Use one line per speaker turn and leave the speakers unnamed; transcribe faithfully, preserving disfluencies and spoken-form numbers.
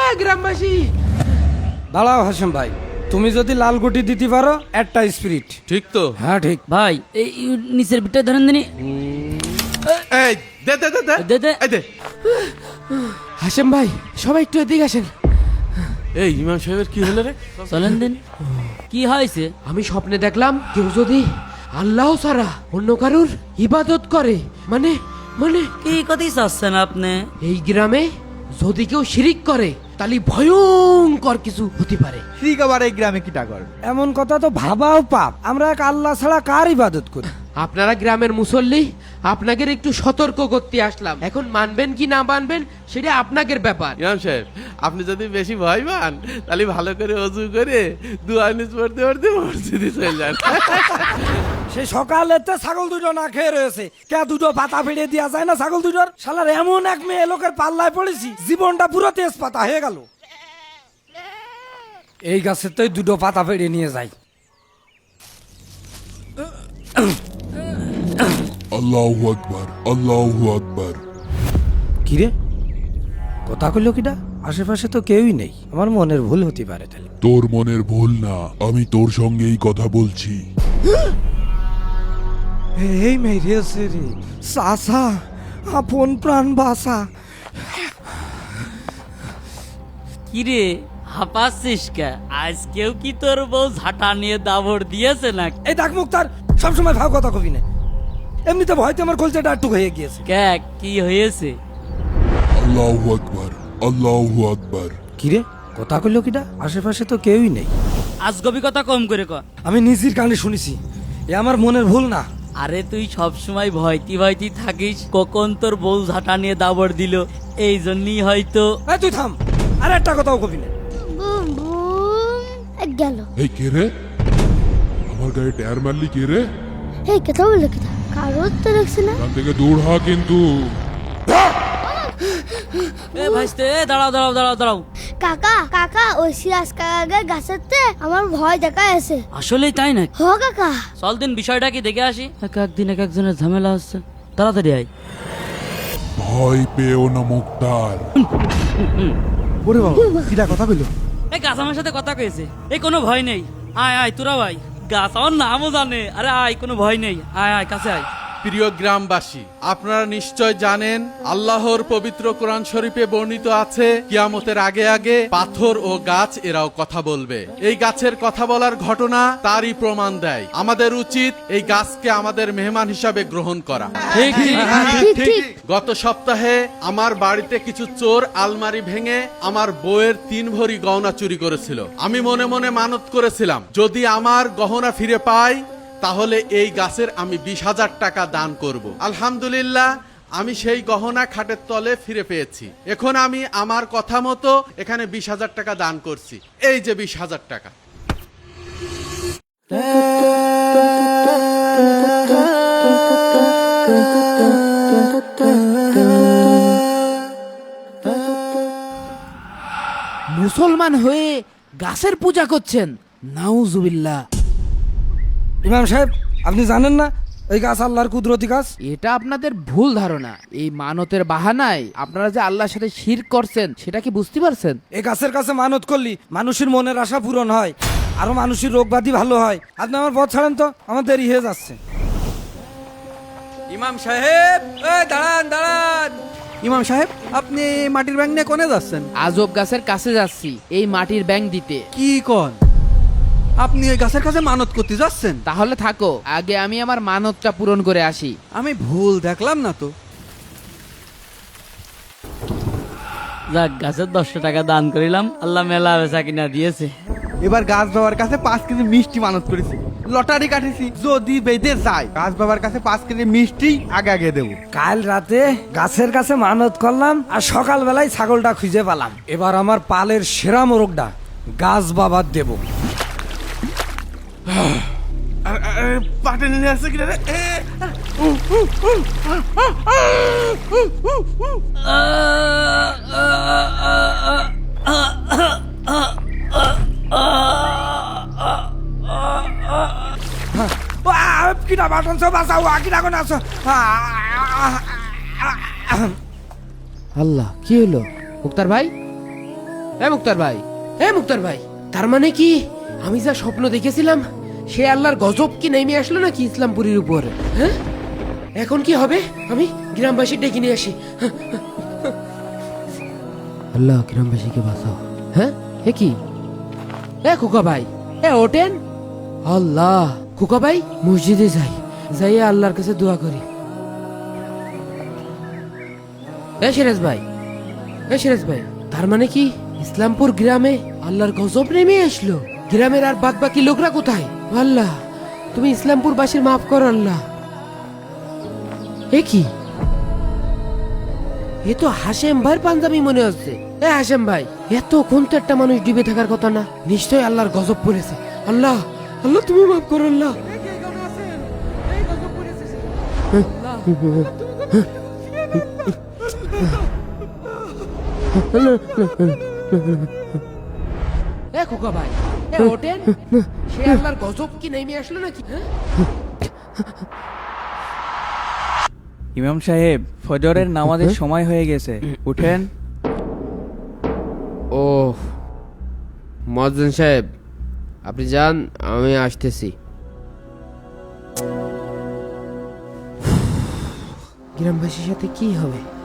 গ্রামবাসী।
দাঁড়াও হাসেম ভাই, তুমি যদি লাল গুটি দিতে পারো একটা স্পিরিট।
ঠিক তো?
হ্যাঁ ঠিক।
ভাই এই নিচের বিটটা ধরেন দিনি।
এই দে দে দে দে
দে দে।
এই দে।
হাসেম ভাই সবাই একটু এদিকে আসেন।
এই ইমাম সাহেবের কি হলো রে?
চলেন দিন। কি হয়েছে?
আমি স্বপ্নে দেখলাম কেউ যদি আল্লাহ ছাড়া অন্য কারুর ইবাদত করে, মানে মানে
কি কথাই চাচ্ছেন আপনি?
এই গ্রামে যদি কেউ শিরিক করে তাহলে ভয়ঙ্কর কিছু হতে পারে।
ঠিক আবার এই গ্রামে কি টাকর?
এমন কথা তো ভাবাও পাপ। আমরা এক আল্লাহ ছাড়া কার ইবাদত করি?
আপনারা গ্রামের মুসল্লি, আপনাকে একটু সতর্ক করতে আসলাম। এখন মানবেন কি না মানবেন সেটা আপনাদের ব্যাপার।
ইমাম সাহেব, আপনি যদি বেশি ভয় পান তাহলে ভালো করে ওযু করে দুয়া নিজ পড়তে পড়তে মসজিদে চলে যান।
সে সকালেতে ছাগল দুটো না খেয়ে রয়েছে, কে দুটো পাতা ফেড়ে দেওয়া যায় না ছাগল দুটোর? শালার এমন এক মেয়ে লোকের পাল্লায় পড়েছি, জীবনটা পুরো তেজ পাতা হয়ে গেল। এই গাছের তো দুটো পাতা ফেড়ে নিয়ে যাই।
আল্লাহু আকবার, আল্লাহু আকবার।
কিরে কথা কইলো কিটা? আশেপাশে তো কেউই নেই, আমার মনের ভুল হতে পারে তাহলে।
তোর মনের ভুল না, আমি তোর সঙ্গেই কথা বলছি।
এই মেরেছে রে সাসা, আপন প্রাণ বাসা।
কি রে হাঁপাচ্ছিস কে? আজকেও কি তোর বউ ঝাঁটা নিয়ে দাবড় দিয়েছে না?
এই ডাক মুক্তার, সবসময় ভাব কথা কবি না। এমনিতে ভয়তে আমার কলচাটা একটু হয়ে গিয়েছে।
কে কি হয়েছে?
আল্লাহু আকবার, আল্লাহু আকবার।
কিরে কথা কইলো কিটা? আশেপাশে তো কেউই নেই।
আজগবি কথা কম করে ক।
আমি নিজের কানে শুনেছি, এ আমার মনের ভুল না।
আরে তুই সব সময় ভয়তি ভয়তি থাকিস, কখন তোর বউ ঝাঁটা নিয়ে দাবড় দিল এই জন্যই হয়তো।
এই তুই থাম, আর একটা কথাও কবি না।
বুম বুম গেল।
এই কে রে? আমার গায়ে টায়ার মারলি কে রে?
এই কথা বলে কথা কারোর তো দেখছি না।
এখান থেকে দূর হ কিন্তু।
এ ভাইস্তে, এ দাঁড়াও দাঁড়াও দাঁড়াও দাঁড়াও।
কাকা কাকা ওই সিরাজ কাকাকে গাছেতে আমার ভয় দেখা আছে।
আসলেই তাই না?
হ কাকা।
চল দিন বিষয়টা কি দেখে আসি। এক একদিন এক একজনের ঝামেলা হচ্ছে, তাড়াতাড়ি আয়।
ভয় পেও না মুক্তার।
ওরে বাবা, কিটা কথা কইলো?
এই গাছ আমার সাথে কথা কয়েছে। এই কোনো ভয় নেই, আয় আয় তোরা ভাই। গাছ আমার নামও জানে। আরে আয়, কোনো ভয় নেই, আয় আয় কাছে আয়।
প্রিয় গ্রামবাসী, আপনারা নিশ্চয় জানেন আল্লাহর পবিত্র কোরআন শরীফে বর্ণিত আছে কিয়ামতের আগে আগে পাথর ও গাছ এরাও কথা বলবে। এই গাছের কথা বলার ঘটনা তারই প্রমাণ দেয়। আমাদের উচিত এই গাছকে আমাদের মেহমান হিসাবে গ্রহণ করা।
ঠিক
ঠিক ঠিক।
গত সপ্তাহে আমার বাড়িতে কিছু চোর আলমারি ভেঙে আমার বউয়ের তিন ভরি গহনা চুরি করেছিল। আমি মনে মনে মানত করেছিলাম যদি আমার গহনা ফিরে পাই তাহলে এই গাছের আমি বিশ হাজার টাকা দান করব। আলহামদুলিল্লাহ, আমি সেই গহনা খাটের তলে ফিরে পেয়েছি। এখন আমি আমার কথা মতো এখানে বিশ হাজার টাকা দান করছি। এই যে বিশ হাজার টাকা।
মুসলমান হয়ে গাছের পূজা করছেন, নাউজুবিল্লাহ।
ইমাম সাহেব, আপনি জানেন না এই গাছ আল্লাহর কুদরতি গাছ?
এটা আপনাদের ভুল ধারণা। এই মানতের বাহানায় আপনারা যে আল্লাহর সাথে শিরক করছেন সেটা কি বুঝতে পারছেন?
এই গাছের কাছে মানত করলি মানুষের মনের আশা পূরণ হয়, আরো মানুষের রোগ ব্যাধি ভালো হয়। আপনি আমার পথ ছাড়েন তো, আমার দেরি হয়ে যাচ্ছে।
ইমাম সাহেব, এই দাঁড়ান দাঁড়ান। ইমাম সাহেব, আপনি মাটির ব্যাংক নিয়ে কোনে যাচ্ছেন?
আজব গাছের কাছে যাচ্ছি এই মাটির ব্যাংক দিতে।
কি কোন? আপনি ওই গাছের কাছে মানত করতে যাচ্ছেন?
তাহলে থাকো, আগে আমি আমার মানতটা পূরণ করে আসি।
আমি ভুল দেখলাম না তো?
যাক, গাছের দশটা টাকা দান করিলাম, আল্লাহ মেলা বেচা কিনা দিয়েছে।
এবার গাছ বাবার কাছে পাঁচ কেজি মিষ্টি মানত করেছি, লটারি কাটেছি। যদি বেঁধে যায় গাছ বাবার কাছে পাঁচ কেজি মিষ্টি আগে আগে দেবো।
কাল রাতে গাছের কাছে মানত করলাম আর সকাল বেলায় ছাগলটা খুঁজে পেলাম। এবার আমার পালের সেরা মোরগটা গাছ বাবার দেব।
পাটে নিয়ে আসছে কিনা রে?
কিনা বাটন সব বাঁচাও, কিনা কোন আছো?
আল্লাহ, কি হলো মুক্তার ভাই? এ মুক্তার ভাই, এ মুক্তার ভাই, তার মানে কি আমি যা স্বপ্ন দেখেছিলাম সে আল্লাহর গজব কি নেমে আসলো নাকি ইসলামপুরীর উপর? হ্যাঁ, এখন কি হবে? আমি গ্রামবাসী ডেকে নিয়ে আসি। আল্লাহ গ্রামবাসীকে বাঁচাও। হ্যাঁ, এ কি? এ খোকা ভাই, এ ওঠেন। আল্লাহ, খোকা ভাই মসজিদে যাই, যাই আল্লাহর কাছে দোয়া করি। এ সিরাজ ভাই, এ সিরাজ ভাই, তার মানে কি ইসলামপুর গ্রামে আল্লাহর গজব নেমে আসলো? গ্রামের আর বাদ বাকি লোকরা কোথায়? আল্লাহ, তুমি ইসলামপুর বাসীর মাফ করো আল্লাহ। এ কি? এ তো হাশেম ভাইয়ের পাঞ্জাবি মনে হচ্ছে। এ হাশেম ভাই, এত কোন তো একটা মানুষ ডুবে থাকার কথা না, নিশ্চয়ই আল্লাহর গজব পড়েছে। আল্লাহ, আল্লাহ তুমি মাফ করো আল্লাহ। এ খোকা ভাই, এ ওঠেন। সে আল্লাহর গজব কি নেমে আসলো নাকি? হ্যাঁ?
ইমাম সাহেব, ফজরের নামাজের সময় হয়ে গেছে, উঠেন।
ও মজ্জেন সাহেব, আপনি যান, আমি আসতেছি। গ্রামবাসীর সাথে কি হবে?